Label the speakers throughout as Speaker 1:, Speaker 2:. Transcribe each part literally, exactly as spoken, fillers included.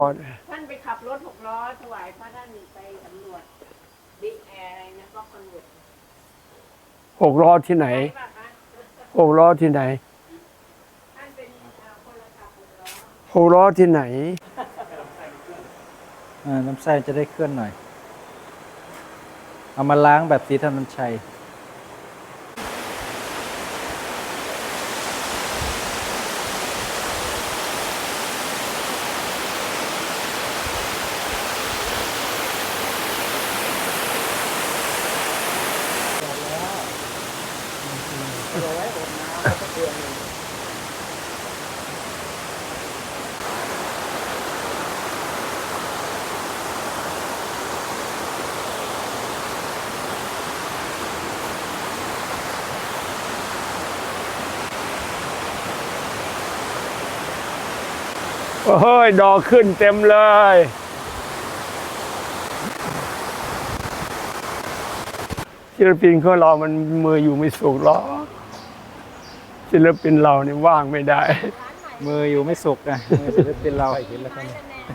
Speaker 1: ท่านไปขับรถหกล้อถวายพระท่านไปสำรวจบิ๊กแอร์อะไรนะก็คอนเวิร์ต
Speaker 2: หกล้อที่ไหนหกล้อที่ไหน
Speaker 1: ท่านเป็นคนละขับหกล้อ
Speaker 2: หกล้อที่ไหน
Speaker 3: น้ำไส้จะได้เคลื่อนหน่อยเอามาล้างแบบสีธนัญชัย
Speaker 2: เฮ้ยดอกขึ้นเต็มเลยศิลปินของเรามันมืออยู่ไม่สุกหรอกศิลปินเรานี่ว่างไม่ได้
Speaker 3: มืออยู่ไม่สุกนะมือศิลปินเราเห็นแล้วครับ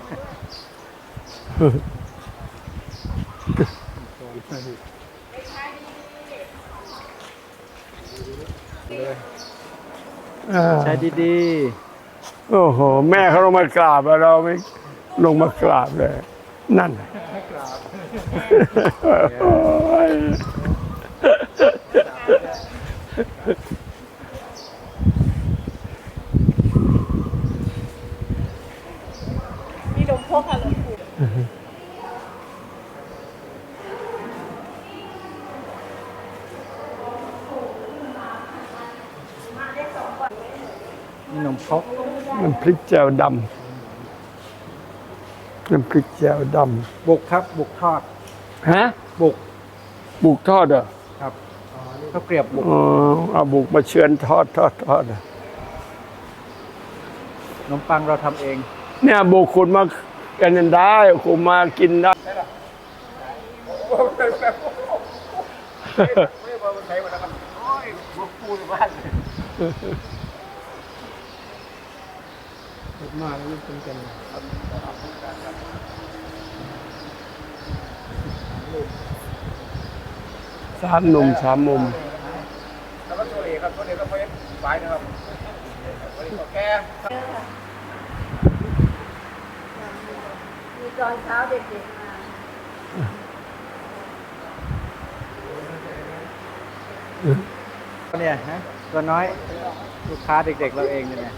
Speaker 3: ใช้ดี
Speaker 2: ๆโอ้โหแม่เขาลงมากราบเราไม่ลงมากราบเลยนั่น
Speaker 1: มีหลวงพ่อค่ะหลวงปู่
Speaker 3: นี่นมพก
Speaker 2: น้ำพริกแจ่วดำน้ำพริกแจ่วด
Speaker 3: ำบุกครับบุกทอด
Speaker 2: ฮะ
Speaker 3: บุก
Speaker 2: บุกทอดเหรอ
Speaker 3: ครับข้าวเกรียบบุก
Speaker 2: อ๋อเอาบุกมาเชือนทอดทอดทอด
Speaker 3: ขนมปังเราทำเอง
Speaker 2: เนี่ยบุกคุณมากันได้คุณมากินได้มาแล้วนี่เป็นกันสามหนุ่มสามมุม
Speaker 4: แล้วก็ตัวเอกครับตัวเอกก็ไปไปนะครับตัวเอกก็แก่
Speaker 1: มีตอนเช้าเด็กๆมา
Speaker 3: เนี่ยฮะตัวน้อยลูกค้าเด็กๆเราเองเนี่ย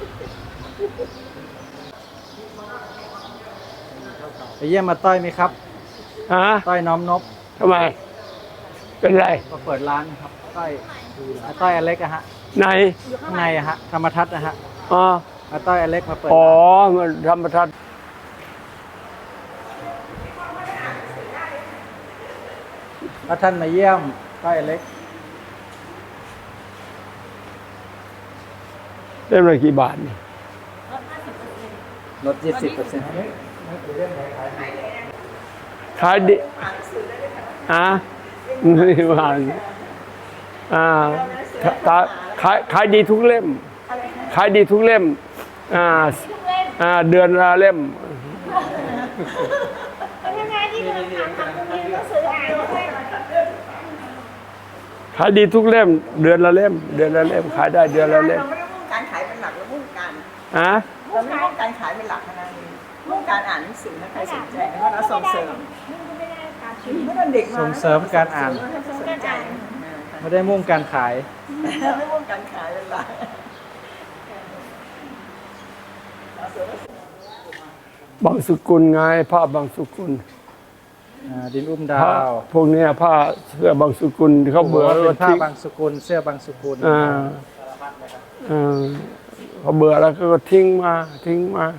Speaker 3: ไปเยี่ยมมาต้อยไหมครับ
Speaker 2: ฮะ
Speaker 3: ต้อยน้อมนบ
Speaker 2: ทำไมเป็นไร
Speaker 3: ก็เปิดร้านครับต้อยต้อยอเล็กอะฮะ
Speaker 2: ใน
Speaker 3: ข้างในอะฮะธรรมทัศน์นะฮะ
Speaker 2: อ๋อ
Speaker 3: ต้อยอเล็กมาเปิด
Speaker 2: อ๋อธรรมทัศน์
Speaker 3: ถ้าท่านมาเยี่ยมต้อยอเล็ก
Speaker 2: เล่มละกี่บาทนี่
Speaker 3: ลดยี่สิบเปอร์เซ็นต์
Speaker 2: ขายดิอ่ะไม่ผ่านอ่าขายขายดีทุกเล่มขายดีทุกเล่มอ่าอ่าเดือนละเล่มขายดีทุกเล่มเดือนละเล่มเดือนละเล่มขายได้เดือนละเล่ม
Speaker 1: การขายเป็นหลักแล้วมุ่งการ
Speaker 2: ฮะ
Speaker 1: เราไม่มุ่งการขายเป็นหลักนะมุ่งการอ่านหนังสือนะใครสนใจแล้วก็เราส่งเสริมไม่ได้เด็กมา
Speaker 3: ส่งเสริมการอ่านไม่ได้มุ่งการขาย
Speaker 1: ไม่มุ่งการขายเป็นหลัก
Speaker 2: บางสุกุลไงผ้าบางสุกุล
Speaker 3: ดินอุ้มดาว
Speaker 2: พวกนี้ผ้าเสื้อบางสุกุลเขาเบื่อ
Speaker 3: เป็นผ้าบางสุกุลเสื้อบางสุกุล
Speaker 2: อ่าอ่าเขาเบื่อแล้วก็ทิ้งมาทิ้งมา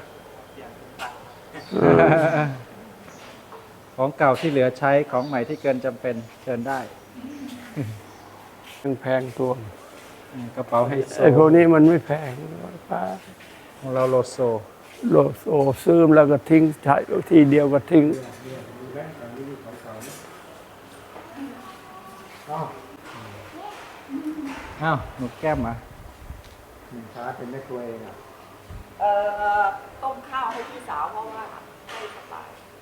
Speaker 3: ของเก่าที่เหลือใช้ของใหม่ที่เกินจำเป็นเชิญได้
Speaker 2: แพงตัว
Speaker 3: กระเป๋าไฮโซ
Speaker 2: ไอ้พวกนี้มันไม่แพง
Speaker 3: ของเราโลโซ
Speaker 2: โลโซซื้อแล้วก็ทิ้งใช้ทีเดียวก็ทิ้ง
Speaker 3: อ้าวหนูแก้มมาช้าเป็นแม่ครัวเองอ่ะ
Speaker 1: เอ่อต้มข้าวให้พี่สาวเพราะว่า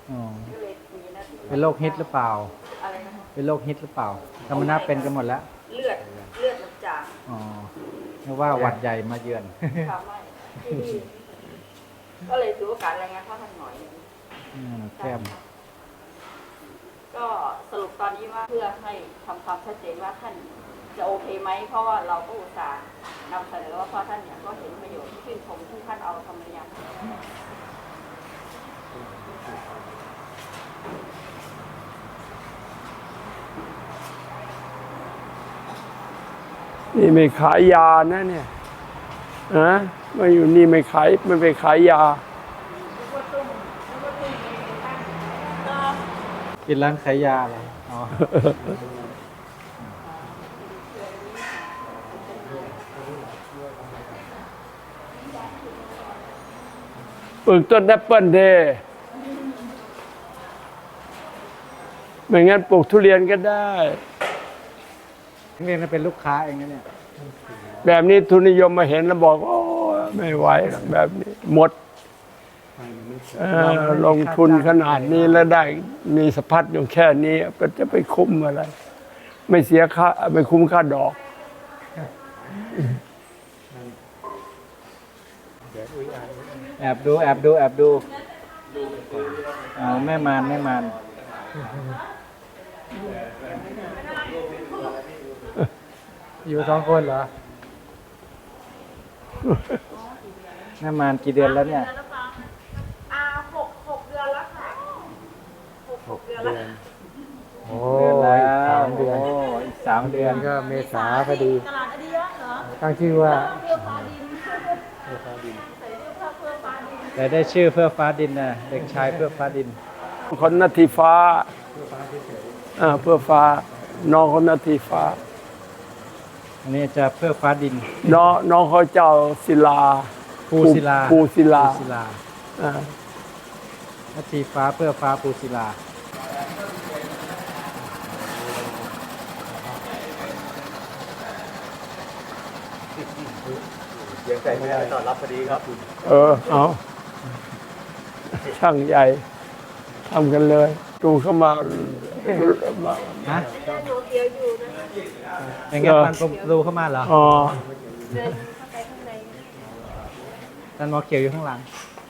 Speaker 3: อ๋อ
Speaker 5: ก็เลยมีหน้าที่
Speaker 3: เป็นโรคฮิตหรือเปล่า
Speaker 5: อะไรนะคะ
Speaker 3: เป็นโรคฮิตหรือเปล่าธรรมนาเป็นกันหมดแล้ว
Speaker 5: เลือดเลือดมันจาง
Speaker 3: อ๋อนึกว่าหวัดใหญ่มาเยือน
Speaker 5: ค่ะไม่ที่นี่ก็เลยถือโอกาสรายงานพ่อท่านหน่อยหนึ่ง
Speaker 3: อืมแก้ม
Speaker 5: ก็สรุปตอนนี้ว่าเพื่อให้ทำความชัดเจนว่าท่านจะโอเคไหมเพราะว่าเราก็อุตส่าห์นำเสนอว่าพ่อท่านเนี่ยก็เห็นประโยชน์ที่ชื่นชมที่ท่านเอาธรรมยาน
Speaker 2: นี่ไม่ขายยานะเนี่ยนะมาอยู่นี่ไม่ขายไม่ไปขายยา
Speaker 3: กินร้านขายยาเหรออ๋อ
Speaker 2: ปลูกต้นแอปเปิ้ลเด้ไม่งั้นปลูกทุเรียนก็ได้
Speaker 3: เรียนเป็นลูกค้าเองนะเนี่ย
Speaker 2: แบบนี้ทุนนิยมมาเห็นแล้วบอกโอ้ไม่ไหวหรอกแบบนี้หมดเอ่อลงทุนขนาดนี้แล้วได้มีสะพัดอยู่แค่นี้ก็จะไปคุ้มอะไร ไม่เสียค่าไม่คุ้มค่าดอก
Speaker 3: แอบดูแอบดูแอบดูอ๋อแม่มารแม่มารอยู่สองคนเหรอแม่มารกี่เดือนแล้วเนี่ย
Speaker 5: อ่าหกหกเดือนแล้วค่ะหกหกเดือนแล้ว
Speaker 3: โอ้ยสามเดือนโอ้อีกสามเดือนก็เมษาพอดี
Speaker 5: ตลาดอดียะเหรอ
Speaker 3: ตั้งชื่อว่า
Speaker 5: เพื่อฟ้าดินใส่เสื้อผ้าเพื่อฟ้าดิน
Speaker 3: แต่ได้ชื่อเพื่อฟ้าดินนะเด็กชายเพื่อฟ้าดิน
Speaker 2: คนนาทีฟ้าอ่าเพื่อฟ้า น้องคนนาทีฟ้า
Speaker 3: อันนี้จะเพื่อฟ้าดิน
Speaker 2: น้องน้องเขาเจ้าศิลา
Speaker 3: ภูศิลา
Speaker 2: ภูศิลา
Speaker 3: ภูศิลา
Speaker 2: อ่า
Speaker 3: นาทีฟ้าเพื่อฟ้าภูศิลา
Speaker 4: ยังใจไม่ได้ต้อนรับพอดีครับ
Speaker 2: เออเอาช่างใหญ่ทำกันเลยดูเข้ามามา
Speaker 3: ฮะ
Speaker 5: ดูเดียวอยู่นะ
Speaker 3: อย่างเงี้ยพันประตูเข้ามาเหรอ
Speaker 2: อ๋อ
Speaker 5: เดินเข้าไปข้างใน
Speaker 3: ท่านหมอเขียวอยู่ข้างหลัง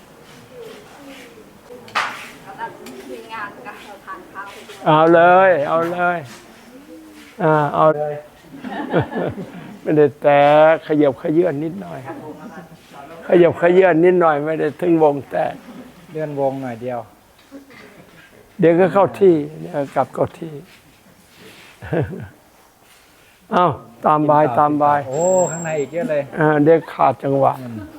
Speaker 5: แล้วก็มีงานกับเราทานข้าวไปด้วย
Speaker 2: เอาเลย เอาเลยอ่าเอาเลย ไม่ได้แต่ขยับขยื่นนิดหน่อย ขยับขยื่นนิดหน่อยไม่ได้ถึงวงแตก
Speaker 3: เลื่อนวงหน่อยเดียว
Speaker 2: เดี๋ยวก็เข้าที่เดี๋ยวกลับเข้าที่ เอาตามบายตามบาย
Speaker 3: โอ้ ข้างในอีกเยอะเลย
Speaker 2: อ่าเด็กขาดจังหวะ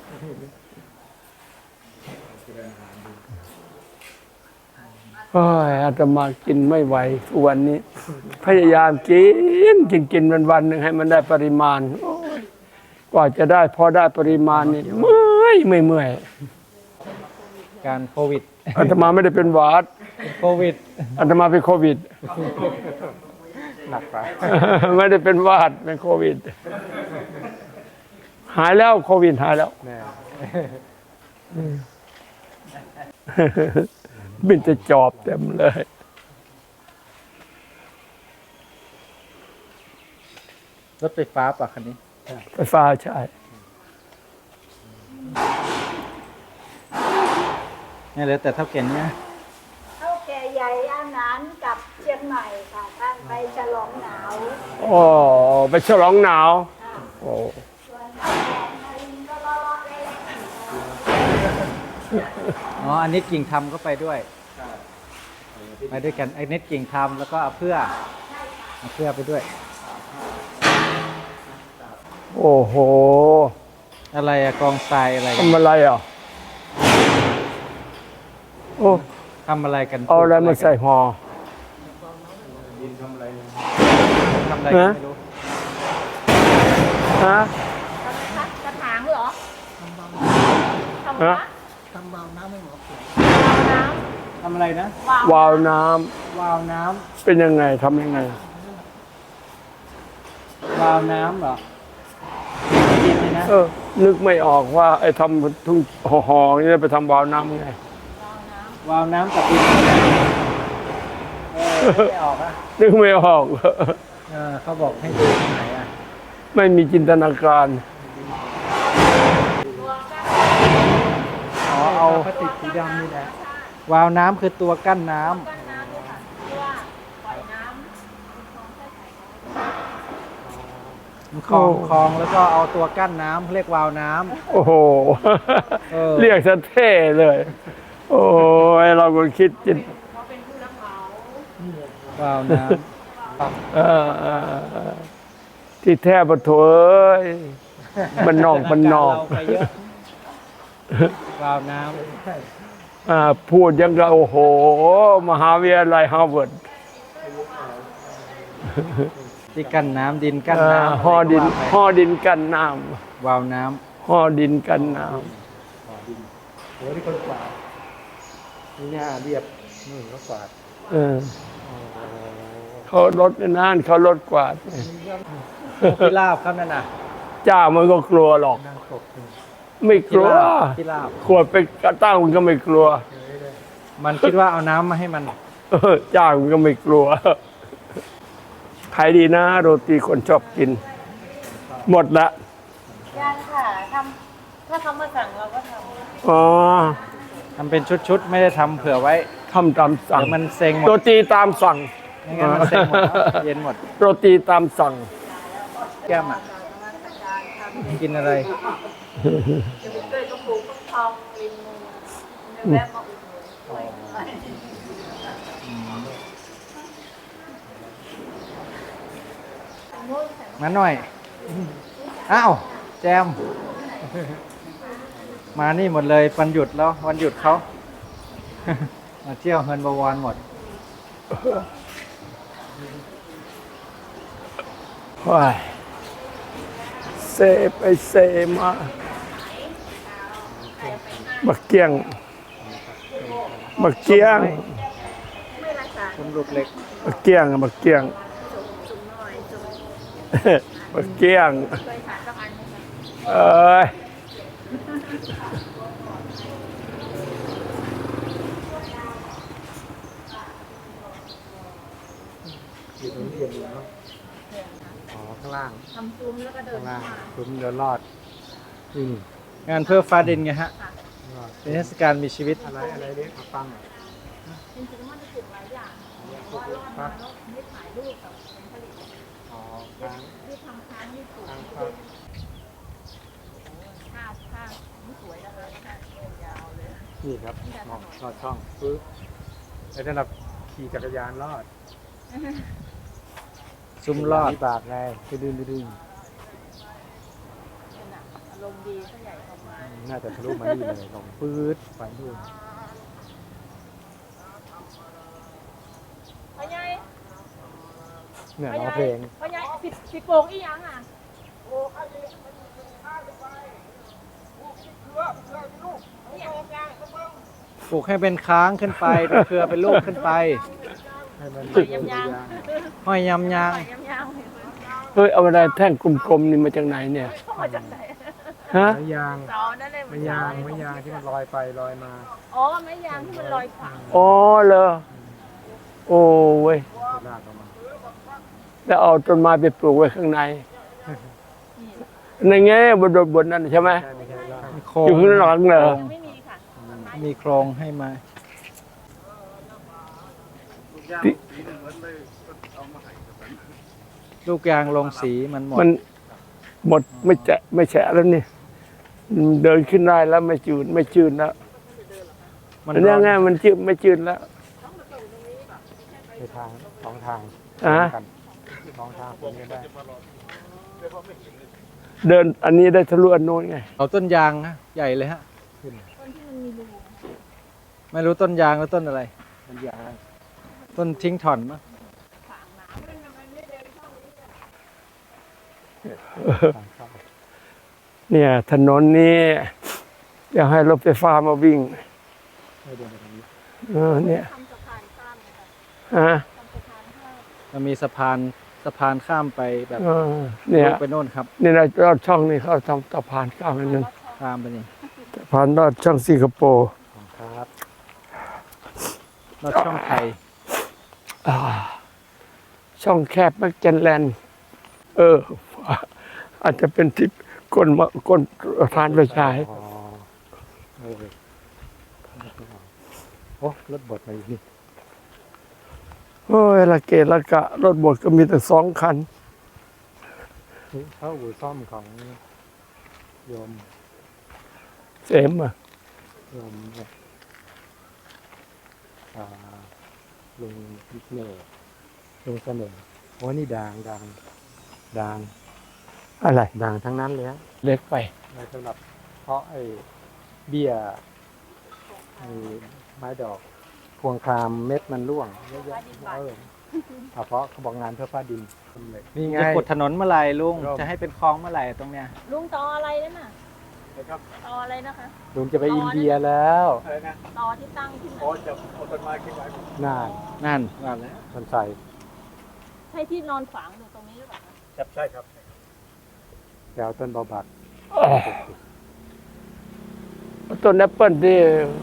Speaker 2: โอ้ยอาตมากินไม่ไหวทุกวันนี้ พยายามกินกินกินวันวันหนึ่งให้มันได้ปริมาณโอ้ยกว่าจะได้พอได้ปริมาณนี่เมื่อยไม่เมื่อย
Speaker 3: การโควิด
Speaker 2: อาตมาไม่ได้เป็นหวัด
Speaker 3: โควิด
Speaker 2: อาตมาเป็นโควิด
Speaker 3: หนักไป
Speaker 2: ไม่ได้เป็นหวัดเป็นโควิด หายแล้วโควิดหายแล้ว
Speaker 3: แน่
Speaker 2: บินจะจอบเต็มเลย
Speaker 3: รถไฟฟ้าป่ะคันนี้
Speaker 2: ไฟฟ้าใช่
Speaker 3: เนี่ยเหลือแต่เท่าเก่งเนี่ย
Speaker 6: เท่าแก่ใหญ่อาหารกับเชียงใหม่ค่ะท่านไปฉลองหนาว
Speaker 2: โอ้ไปฉลองหนาวโอ้
Speaker 6: ส่วนเท่าแก่นารินก็เลาะๆเล่น
Speaker 3: อ๋อ อันนี้กิ่งทำก็ไปด้วย ไปด้วยกันไอ้เน็ตกิ่งทำแล้วก็เอาเพื่อเอาเพื่อไปด้วย
Speaker 2: โอ้โห
Speaker 3: อะไรอะกองทรายอะไรกัน
Speaker 2: ทำอะไรอ่ะโอ้
Speaker 3: ทำอะไรกัน
Speaker 2: เอาอะไรมาใส่ห่อ
Speaker 3: ทำอะไรกันไม่รู้
Speaker 2: ฮะ
Speaker 5: กระถางเหรอทำ
Speaker 2: ฮะ
Speaker 5: วะ
Speaker 3: ทำอะไรนะ
Speaker 2: วาล์วน้
Speaker 3: วาล์วน้
Speaker 2: ำเป็นยังไงทำยังไง
Speaker 3: ำวาล์วน้ำเหรอกินเลยนะ
Speaker 2: เออ นึกไม่ออกว่า ไอ้ทำทุ่งห่อๆนี่ไปทำวาล์วน้ำไง
Speaker 5: วาล์วน้ำ
Speaker 3: วาล์วน้ำกับดินเออไม่ออกอ่ะ
Speaker 2: นึกไม่ออก
Speaker 3: เออเขาบอกให้ดูตรงไหนอ่ะ
Speaker 2: ไม่มีจินตนาการ
Speaker 3: อ๋อเอาพลาสติกสีดำนี่แหละวาล์วน้ำคือตัวกั้นน้ำมันคลองคลองแล้วก็เอาตัวกั้นน้ำเรียกวาล์วน้ำ
Speaker 2: โอ้โห
Speaker 3: เออ
Speaker 2: เรียกซะเท่เลย โอ้ยเราก็คิดจิต
Speaker 3: วาล์วน้
Speaker 2: เออเออเออที่แท้ปะโถเอ้ย
Speaker 3: ำ
Speaker 2: มันนอกมันนอก
Speaker 3: เราไปเยอะวาล์วน้
Speaker 2: อ่าพูดยังก็โอ้โห มหาวิทยาลัยฮาร์วาร์ด
Speaker 3: ำที่กั้นน้ำดินกั้น
Speaker 2: อ่า
Speaker 3: น้ำ
Speaker 2: ห่อดิน
Speaker 3: อะไรก็ว่าไป
Speaker 2: ห่อดินกันน้
Speaker 3: วาล์วน้
Speaker 2: ำห่อดินกันน้
Speaker 3: ำโอ้ที่คนกวาดนี่หน้าเรียบนู่นก็กวาด
Speaker 2: ำเออเขารถนั่นเขารถกวาด
Speaker 3: ที่ลาบครับนั่นน่ะ
Speaker 2: จ้ามันก็กลัวหรอก
Speaker 3: นั่งตก
Speaker 2: ไม่ก
Speaker 3: ที่
Speaker 2: ลัว
Speaker 3: ลาบที่ลาบ
Speaker 2: ขวดไปกระตั้งมันก็ไม่กลัว
Speaker 3: มันคิดว่าเอาน้ำมาให้มัน
Speaker 2: เออจ้างมันก็ไม่กลัวขายดีนะโรตีคนชอบกิน หมดละ
Speaker 1: ยังค่ะทำถ้าเขามาสั่งเราก็ทำ
Speaker 2: อ๋อ
Speaker 3: ทำเป็นชุดๆ ไม่ได้ทำเผื่อไว้
Speaker 2: ทำตามสั่ง
Speaker 3: เดี๋ยวมันเซ็งหมด
Speaker 2: โรตีตามสั่ง
Speaker 3: ไม่งั้นมันเซ็งหมดแล้วเย็นหมด
Speaker 2: โรตีตามสั่ง
Speaker 3: แก้มอ่ะ กินอะไร
Speaker 5: จะไปเกยก็ปลูกฟักทองริมมือแวะมาอุดหนุนด้วย
Speaker 3: มาหน่อย อ้าว แจม มานี่หมดเลยวันหยุดแล้ว วันหยุดเขา มาเที่ยวเฮินบวรหมด
Speaker 2: ว้ายเซไปเซมาบักเกียงบักเกียง
Speaker 3: คุณลูกเล็ก
Speaker 2: บักเกียงบักเกียงบักเกียงเอ้ย
Speaker 3: อยู่ตรงนี้เย็นอยู่เนาะอ๋อ ข้างล่าง
Speaker 5: ทำซุ้มแล้วก็เดิ
Speaker 3: ข้าน งล่างคุ้มเดินรอดอืมงานเพื่อฟ้าดินไงฮะเป็นเทศกาลมีชีวิต อะไรอะไรเรียกฟัง
Speaker 5: จริงๆมันจะปลูกหลายอย่างเพราะว่ารอดมาแล้วไม่ถ่ายรูปกับผลผลิต
Speaker 3: อ๋อค้าง
Speaker 5: ที่ทำค้างที่ปลูก
Speaker 3: ค้างครับ
Speaker 5: ผ้าผ้าไม่สวยนะคะผ้ายาวเลย
Speaker 3: นี่ครับมองลอดช่องปึ๊บแล้วถ้าเราขี่จักรยานรอด ซุ้มรอดบากไงไปดึงไปดึง
Speaker 5: อารมณ์ดีก็ใหญ่ประมาณ
Speaker 3: น่าจะทะลุมานี่เลยลงปื๊ดไปดูน
Speaker 7: พ่อใหญ่
Speaker 3: เนี่ยร้องเพลง
Speaker 7: พ่อใหญ่ปิดปิดโป่งอีหยังอ่ะ
Speaker 3: ปลูกให้เป็นค้างขึ้นไปเป็นเครือเป็นลูกขึ้นไปให้มัน
Speaker 7: ยำยาง
Speaker 3: ห้อยยำยาง
Speaker 7: ยำยาง
Speaker 2: เฮ้ยเอาอะไรแท่งกลมๆนี่มาจากไหนเนี่ย
Speaker 7: มาจากไหน
Speaker 2: ฮะ
Speaker 3: ไม้ยาง
Speaker 7: เสานั่นเลย
Speaker 3: ไม้ยางไม้ยางที่มันลอยไปลอยมา
Speaker 7: อ๋อไม้ยางที่มันลอยขวาง
Speaker 2: อ๋อเหรอโอ้เว้ย
Speaker 3: ลากออกมา
Speaker 2: แล้วเอาต้นไม้ไปปลูกไว้ข้างในในแง่บนบนนั้นใช่ไหม
Speaker 3: ใช่ไม่ใช่ลาก
Speaker 2: อยู่ข้างหลังเหรอ
Speaker 7: ไม่มีค่ะ
Speaker 3: มีโครงให้มา ลูกยางลงสีมันหมด
Speaker 2: มันหมดไม่แจะไม่แฉะแล้วนี่มันเดินขึ้นได้แล้วไม่จืดไม่จืดแล้ว
Speaker 3: มัน
Speaker 2: อันนี้ไงมันจืดไม่จืดแล้ว
Speaker 3: ในทางสองทาง
Speaker 2: อ่ะ
Speaker 3: กันสองทางคนนี้ได้
Speaker 2: เดินอันนี้ได้ทะลุอันโน้นไง
Speaker 3: เอาต้นยางฮะใหญ่เลยฮะไม่รู้ต้นยางหรือต้นอะไร
Speaker 4: มันยาง
Speaker 3: ต้นทิ้งถ่อนมั้ง
Speaker 2: เนี่ยถนนนี้อยากให้รถไฟฟ้ามาวิ่งเออเนี่ย
Speaker 7: ทำสะพานข้ามเลยค่ะ
Speaker 2: ฮะ
Speaker 7: ทำสะพานข้าม
Speaker 3: มันมีสะพานสะพานข้ามไปแบบ
Speaker 2: เออเนี่ย
Speaker 3: ลูกไปโน่นครับ
Speaker 2: นี่นะรอดช่องนี่เขาทำสะพานข้ามอันนึง
Speaker 3: ข้ามไปนี่
Speaker 2: สะพานรอดช่องสิงคโปร์
Speaker 3: ครับรถช่องไทย
Speaker 2: อ่าช่องแคบแมกเจนแลนด์เออ อาจจะเป็นที่ก้นมาก้นทานไปฉาย
Speaker 3: อ๋อเออโอ้รถบดมาอยู่นี่
Speaker 2: โอ้ยละเกะละกะ รถบดก็มีแต่สองคัน
Speaker 3: นี่เข้าอู่ซ่อมของโยม
Speaker 2: เสมอ่ะ
Speaker 3: โยมเนี่ยอ่าลุงเน่ห์ลุงเสน่ห์โอ้นี่ดังดังดัง
Speaker 2: อะไร
Speaker 3: ดังทั้งนั้นเลยฮะ
Speaker 2: เล็กไป
Speaker 3: ไว้สำหรับเพราะไอ้เบี้ยไอ้ไม้ดอก พวงครามเม็ดมันร่วงเยอะแยะเออเอาเพราะเขาบอกงานเพื่อฟ้าดินนี่ไงจะขุดถนนเมื่อไหร่ลุงจะให้เป็นคลองเมื่อไหร่ตรงเนี้ย
Speaker 7: ลุงต่ออะไรนั่นน่ะ
Speaker 4: นะครับ
Speaker 7: ต่ออะไรนะคะ
Speaker 3: ลุงจะไปอินเดียแล้ว
Speaker 4: อะไรนะ
Speaker 7: ต่อที่ตั้งที่ไหน
Speaker 4: โอ้จะเอาต้นไม้ขึ้นไว้
Speaker 3: นั่นนั่น
Speaker 4: งานแล้ว
Speaker 3: มันใส่
Speaker 7: ใช่ที่นอนฝังอยู่ตรงนี้หรือเปล่าคะ
Speaker 4: ครับใช่ครับ
Speaker 3: แถวต้นบอบัก
Speaker 2: ต้นแอปเปิลที่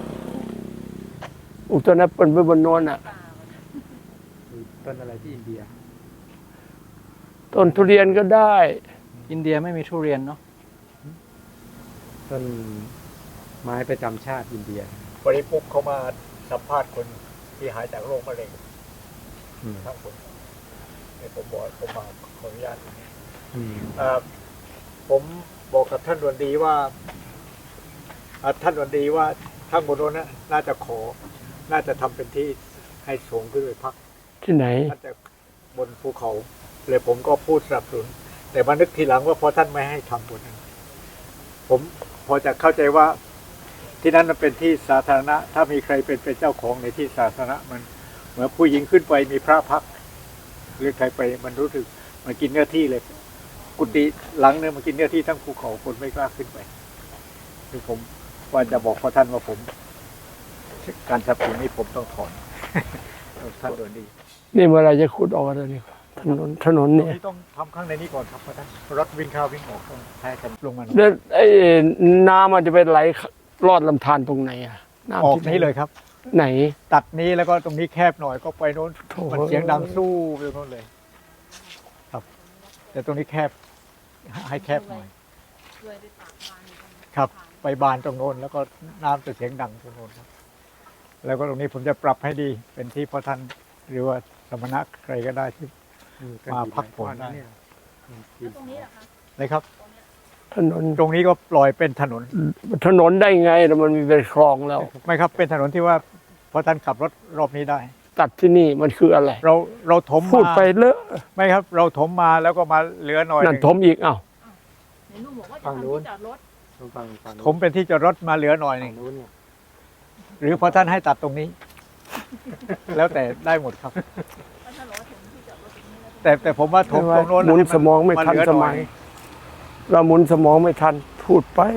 Speaker 2: ปลูกต้นแอปเปิลไว้บนโน้นอ่ะ
Speaker 3: ต้นอะไรที่อินเดีย
Speaker 2: ต้นทุเรียนก็ได้
Speaker 3: อินเดียไม่มีทุเรียนเนาะต้นไม้ประจำชาติอินเดีย
Speaker 4: วันนี้ปุ๊บเขามาสัมภาษณ์คนที่หายจากโรคมะเร็ง
Speaker 3: อืม
Speaker 4: ทั้งคนในผมบอกผมมาขออนุญาต
Speaker 3: อืม
Speaker 4: เอ่อผมบอกกับท่านดวนดีว่าอ่าท่านดวนดีว่าข้างบนโน้นนะน่าจะขอ น่าจะทำเป็นที่ให้สูงขึ้นไปพัก
Speaker 2: ที่ไหน
Speaker 4: น่าจะบนภูเขาเลยผมก็พูดสนับสนุนแต่มานึกทีหลังว่าพอท่านไม่ให้ทำบนนั้น ผมพอจะเข้าใจว่าที่นั้นมันเป็นที่สาธารณะ ถ้ามีใครเป็นเป็นเจ้าของในที่สาธารณะมันเหมือนผู้หญิงขึ้นไปมีพระพักหรือใครไปมันรู้สึกมันกินเนื้อที่เลย กุฏิหลังเนี่ยมันกินเนื้อที่ทั้งภูเขาคนไม่กล้าขึ้นไปคือผมว่าจะบอกพอท่านว่าผม การสนับสนุนนี้ผมต้องถอน ท่านโดนดี
Speaker 2: นี่เมื่อไหรจะขุดออกอะไรนี่ถนนถนน
Speaker 4: ตรง
Speaker 2: เนี่ย
Speaker 4: นี้ต้องทำข้างในนี้ก่อนครับพระท่านรถวิ่งเข้าวิ่งออกต้องให้กันลงมาหน่อย
Speaker 2: แล้วไอ้น้ำมันจะไปไหลลอดลำธารตรงไหนอ่ะน้ำ
Speaker 4: ออก
Speaker 2: ที่
Speaker 4: นี้เลยครับ
Speaker 2: ไหน
Speaker 4: ตัดนี้แล้วก็ตรงนี้แคบหน่อยก็ไปโน้น
Speaker 2: โถ่
Speaker 4: มันเสียงดังสู้ไปโน้นเลย ครับ แต่ตรงนี้แคบให้แคบหน่อย
Speaker 7: ด้วยด้วยปากบานอยู่ตรงนี้
Speaker 4: ครับ ไปบานตรงโน้นแล้วก็น้ำจะเสียงดังตรงโน้นครับ แล้วก็ตรงนี้ผมจะปรับให้ดีเป็นที่พระท่านหรือว่าสมณะใครก็ได้ที่ มาพักผ่อนได้
Speaker 7: แล้วตรงนี้เหรอคะ
Speaker 4: นะครับ
Speaker 2: ถนน
Speaker 4: ตรงนี้ก็ปล่อยเป็นถนน
Speaker 2: ถนนได้ไงแล้วมันมีเป็นคลองแล้ว
Speaker 4: ไม่ครับเป็นถนนที่ว่าพระท่านขับรถรอบนี้ได้
Speaker 2: ตัดที่นี่มันคืออะไร
Speaker 4: เราเราถม
Speaker 2: พูด
Speaker 4: มา
Speaker 2: ไปเลอะ
Speaker 4: ไม่ครับ เราถมมาแล้วก็มาเหลือหน่อยห
Speaker 2: นั่น
Speaker 4: นึ่ง
Speaker 2: ถมอีกอ้าว
Speaker 7: ไหนลุงบอกว่าจะทำที่จอดรถ
Speaker 3: ฟังฟัง
Speaker 4: ถมเป็นที่จอดรถมาเหลือหน่อยหนึ่ง
Speaker 3: นู้นเนี่ย
Speaker 4: หรือพอท่านให้ตัดตรงนี้ แล้วแต่ได้หมดครับ
Speaker 7: ก็ถ้าบอกว่าถึงที่จอดรถตรงนี้แล้ว
Speaker 4: แต่แต่ผมว่าถมตรงโน้น
Speaker 2: หมุนสมองไม่ทัน
Speaker 4: เหลื
Speaker 2: ส
Speaker 4: ห
Speaker 2: มัย เราหมุนสมองไม่ทันพูดไป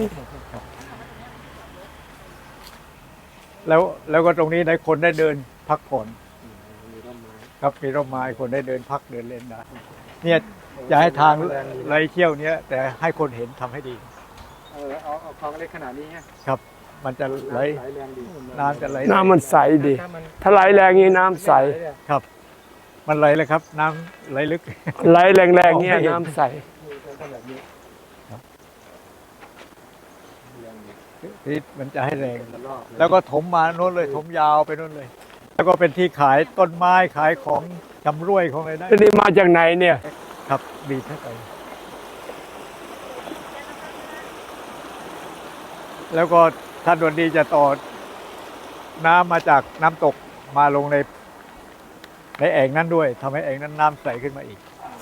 Speaker 4: แล้วแล้วก็ตรงนี้ได้คนได้เดินพักผ่อน
Speaker 3: มีร่มไม้
Speaker 4: ครับมีร่มไม้คนได้เดินพักเดินเล่นได้เนี่ยจะให้ทางไหลเที่ยวเนี้ยแต่ให้คนเห็นทำให้ดี
Speaker 3: เออเอาเอาคลองเล็กขนาดนี้ฮะ
Speaker 4: ครับ มันจะไหล
Speaker 3: ไหลแรงดี
Speaker 4: น้ำจะไหล
Speaker 2: น้ำมันใสดี
Speaker 3: ถ้ามัน
Speaker 2: ถ้าไหลแรงนี้น้ำใส
Speaker 4: ครับ มันไหลเลยครับ น้ำไหลลึก
Speaker 2: ไหลแรงๆเนี้ยน้ำใส
Speaker 3: แบบนี้
Speaker 4: ที่มันจะให้แรง
Speaker 3: รอบเลย
Speaker 4: แล้วก็ถมมาโน้นเลยถมยาวไปโน้นเลย แล้วก็เป็นที่ขายต้นไม้ขายของจำรวยของอะไรได้
Speaker 2: แล้วนี่มาจากไหนเนี่ย
Speaker 4: ครับบีบให้ไปแล้วก็ท่านดวนดีจะต่อน้ำมาจากน้ำตกมาลงในในแอ่งนั้นด้วยทำให้แอ่งนั้นน้ำใสขึ้นมาอีก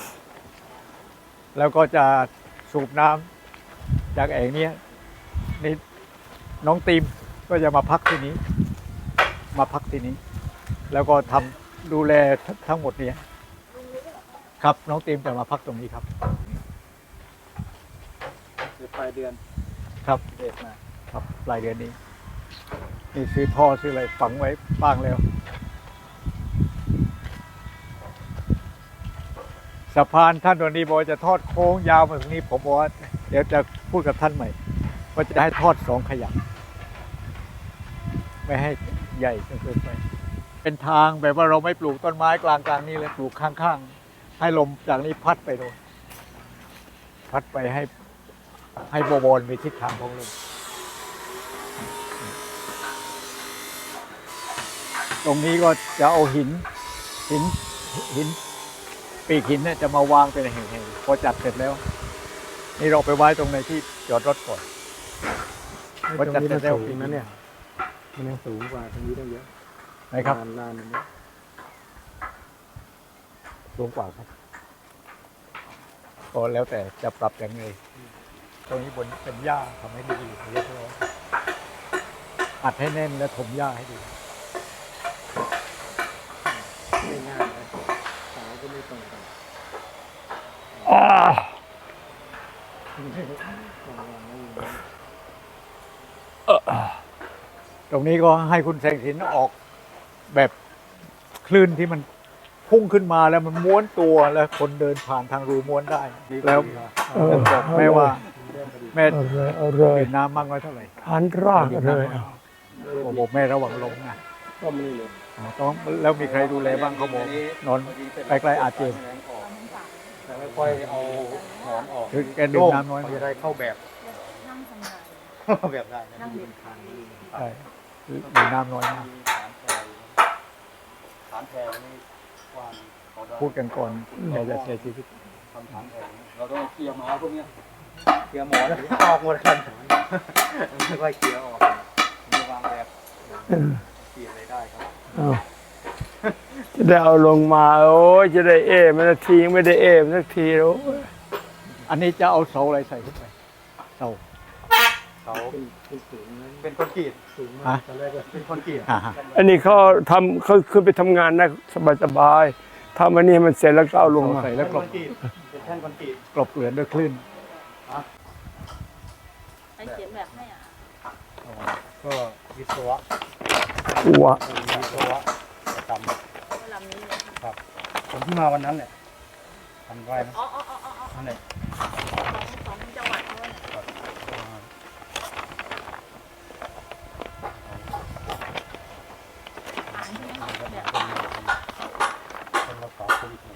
Speaker 4: แล้วก็จะสูบน้ำจากแอ่งเนี้ยนี่น้องตีมก็จะมาพักที่นี้ มาพักที่นี้ แล้วก็ทำดูแลทั้งหมดเนี้ยครับน้องตีมจะมาพักตรงนี้ครับ
Speaker 3: เดี๋ยวปลายเดือน
Speaker 4: ครับ
Speaker 3: เด็ดมา
Speaker 4: ครับปลายเดือนนี้ นี่ซื้อท่อซื้ออะไรฝังไว้บ้างแล้วสะพานท่านวันนี้บอกว่าจะทอดโค้งยาวมาตรงนี้ผมบอกว่าเดี๋ยวจะพูดกับท่านใหม่ว่าจะให้ทอดสองขยักไม่ให้ใหญ่จนเกินไปไอเป็นทางแบบว่าเราไม่ปลูกต้นไม้กลางกลางๆนี่เลยปลูกข้างๆให้ลมจากนี้พัดไปโดนพัดไปให้ให้บวรมีทิศทางของลมตรงนี้ก็จะเอาหินหินหินปีกหินเนี่ยจะมาวางเป็นแห่งๆพอจัดเสร็จแล้ว นี่เราไปไว้ตรงในที่จอดรถก่อน
Speaker 3: ตรงนี้มันสูงนะเนี่ยมันยังสูงกว่าตรงนี้ได้เยอะ
Speaker 4: นะครับ
Speaker 3: ลานลานอันนี้สูงกว่าครับ
Speaker 4: ก็แล้วแต่จะปรับอย่างไรตรงนี้บนเป็นหญ้าทำให้ดีเรียบร้อยอัดให้แน่นและถมหญ้าให้ดี
Speaker 3: ไม่ง่ายเลยเสาก็ไม่ตรงกัน
Speaker 2: อ่า
Speaker 4: ตรงนี้ก็ให้คุณแสงสินออกแบบคลื่นที่มันพุ่งขึ้นมาแล้วมันม้วนตัวแล้วคนเดินผ่านทางรูม้วนได้แล้วบอกแม่ว่าแม่
Speaker 2: เอาเลยเอาเลย
Speaker 4: เห็นน้ำมากน้อยเท่าไหร่
Speaker 2: ฐานรากเลยเอา
Speaker 4: ผมบอกแม่ระวังลงนะ
Speaker 3: ก็ไม่เลย
Speaker 4: อ๋อต้องแล้วมีใครดูแลบ้างเขาบอกนอนใกล้ๆอาเจียน
Speaker 3: แต่ไม่ค่อยเอาหอมออก
Speaker 4: คือแกดื่มน้ำน้อย
Speaker 3: จะได้เข้าแบบ
Speaker 7: นั่งทำงาน
Speaker 3: เข้าแบบได้นะ
Speaker 7: นั่งเรียน
Speaker 4: ใช่ดื่มน้ำน้อยมาก
Speaker 3: ฐานแพรนี่กว้าง
Speaker 4: พูดกันก่อนแกจะเสียชีวิต
Speaker 3: ทำฐานแพรเราต้องเคลียร์ไม้พวกเนี้ยเคลียร์หมอนออกหมดกันไม่ค่อยเคลียร์ออกผมจะวางแบบเคลียร์อะไรได้ครับ
Speaker 2: เอาจะได้เอาลงมาโอ้ยจะได้เอมันสักทียังไม่ได้เอมันสักทีโอ้ย
Speaker 4: อันนี้จะเอาเสาอะไรใส่ขึ้นไปเสา
Speaker 3: เขาเป็นสูงเป็นคอนกรีตสูงมากตอนแรกก็เป็นคอนกรีต
Speaker 4: อ่าฮะ
Speaker 2: อันนี้เขาทำเขาขึ้นไปทำงานนะสบายๆทำอันนี้ให้มันเสร็จแล้วก็เอาลงมา
Speaker 4: ใส่แล้วกลบ
Speaker 3: เป็นแท่นคอนกรีต
Speaker 4: กลบเกลื่อนด้วยคลื่น
Speaker 7: ใครเขียนแบบให้อ่ะ
Speaker 3: ก็วิศวะ
Speaker 2: หัว
Speaker 3: วิศวะทำ
Speaker 7: เวลานี้เลย
Speaker 3: ครับผมที่มาวันนั้นเนี่ยทำไว้นะ
Speaker 7: อ๋ออ๋ออ๋ออ๋อ
Speaker 3: นั่นแหละ
Speaker 7: ของของจังหวัดเขาเนี่ยอ่านใช่ไหมคะแบบ
Speaker 3: เป็นรักษาโควิด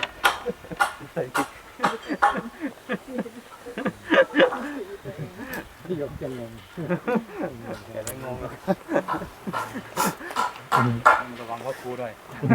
Speaker 3: ที่ยกจะงงแต่ไม่งงเลยระวังว่าครูด้วย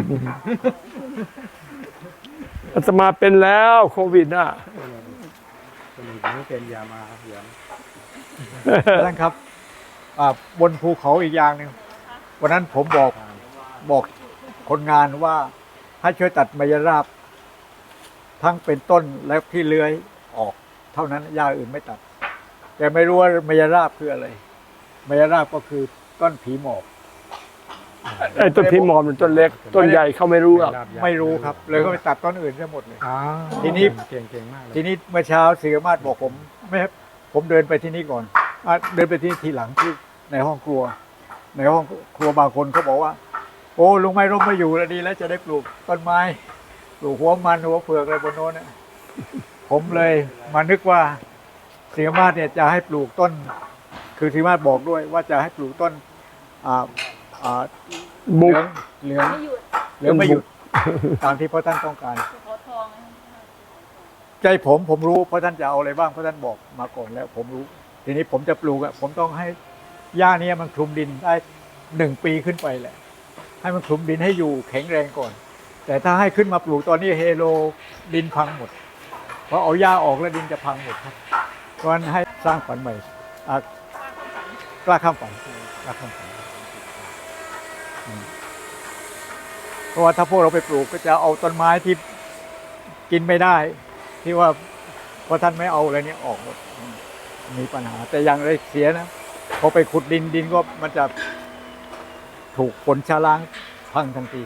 Speaker 2: อาตมาเป็นแล้วโควิดน่ะ
Speaker 3: คนอื่นไม่เป็นยามาเหยียง
Speaker 4: ท่านครับอ่าบนภูเขาอีกอย่างหนึ่งวันนั้นผมบอกบอกคนงานว่าให้ช่วยตัดไมยราบ ทั้งเป็นต้นและที่เลื้อยออก เท่านั้นหญ้าอื่นไม่ตัด แต่ไม่รู้ว่าไมยราบคืออะไรไมยราบก็คือต้นผีหมอบ
Speaker 2: ไอ้ต้นพิมอมมันต้นเล็ก ต้นใหญ่เขาไม่รู้หรอก
Speaker 4: ไม่รู้ครับ เลยก็ไปตัดต้นอื่นซะหมดเลย
Speaker 3: อ่า
Speaker 4: ทีนี้
Speaker 3: เก่งเก่งมากเลย
Speaker 4: ทีนี้เมื่อเช้าศิรมาศบอกผมไม่ครับผมเดินไปที่นี่ก่อนอ่ะเดินไปที่ทีหลังที่ในห้องครัว ในห้องครัวบางคนเขาบอกว่า โอ้ลุงไม่ร่มไม่อยู่แล้วดีแล้วจะได้ปลูกต้นไม้ปลูกหัวมันหัวเผือกอะไรบนโน้นเนี่ยผมเลยมานึกว่าศิรมาศเนี่ยจะให้ปลูกต้น คือศิรมาศบอกด้วยว่าจะให้ปลูกต้นอ่าอ่าเห
Speaker 2: บุ
Speaker 4: ลื
Speaker 2: ก
Speaker 4: องเหลือง
Speaker 7: ไม่หยุด
Speaker 4: เหลืองไม่หยุดตามที่พระท่านต้องการ
Speaker 7: ขอทองนะ
Speaker 4: ใจผมผมรู้เพราะท่านจะเอาอะไรบ้างเพราะท่านบอกมาก่อนแล้ว ผมรู้ ทีนี้ผมจะปลูกอะผมต้องให้หญ้านี้มันคลุมดินได้หนึ่งปีขึ้นไปแหละ ให้มันคลุมดินให้อยู่แข็งแรงก่อน แต่ถ้าให้ขึ้นมาปลูกตอนนี้เฮโลดินพังหมดเพราะเอาหญ้าออกแล้วดินจะพังหมดครับเพราะฉะนั้นให้สร้างฝันใหม่อ่ะกล้าข้ามฝันกล้าข้ามฝันอืมเพราะว่าถ้าพวกเราไปปลูกก็จะเอาต้นไม้ที่กินไม่ได้ ที่ว่าพอท่านไม่เอาอะไรเนี้ยออกหมดมีปัญหา แต่อย่างไรเสียนะพอไปขุดดินดินก็มันจะถูกฝนชะล้างพังทันที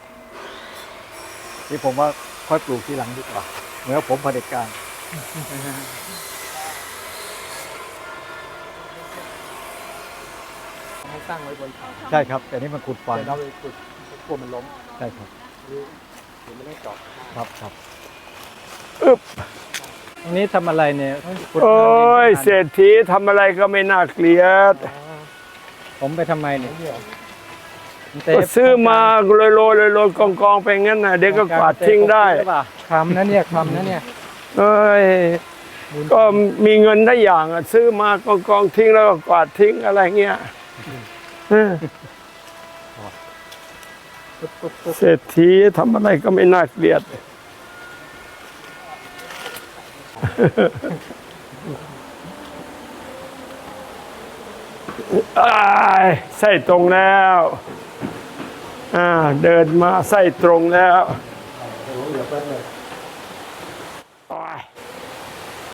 Speaker 4: ที่ผมว่าค่อยปลูกทีหลังดีกว่าเหมือนผมเผด็จการ
Speaker 3: ให้ตั้งไว้บนเขา
Speaker 4: ใช่ครับ แต่นี่มันขุดฝัง
Speaker 3: แต่เราไปขุดกลัวมันล้ม
Speaker 4: ใช่ครับ
Speaker 3: หรือหรือไม่ได้เจาะ
Speaker 4: ครับครับ
Speaker 3: ตรงนี้ทำอะไรเนี่ยขุด
Speaker 2: โอ้ย
Speaker 3: น้ำดิน
Speaker 2: เศรษฐีทำอะไรก็ไม่น่าเกลียด
Speaker 3: ผมไปทำไมเนี่ย
Speaker 2: ทก็ซื้อมาโรยโรยโรยโรยกองกองไปงั้นนะเด็กก็กวาดทิ้งได้
Speaker 3: คำนะเนี่ยคำนะเนี่ย
Speaker 2: เอ้ยก็มีเงินได้อย่างอะซื้อมากองกองทิ้งแล้วก็กวาดทิ้งอะไรเงี้ยเออเศรษฐีทำอะไรก็ไม่น่าเกลียดอ้ายไส้ตรงแล้วอ่าเดินมาไส้ตรงแล้ว
Speaker 3: เดี๋ยวแป๊บนึง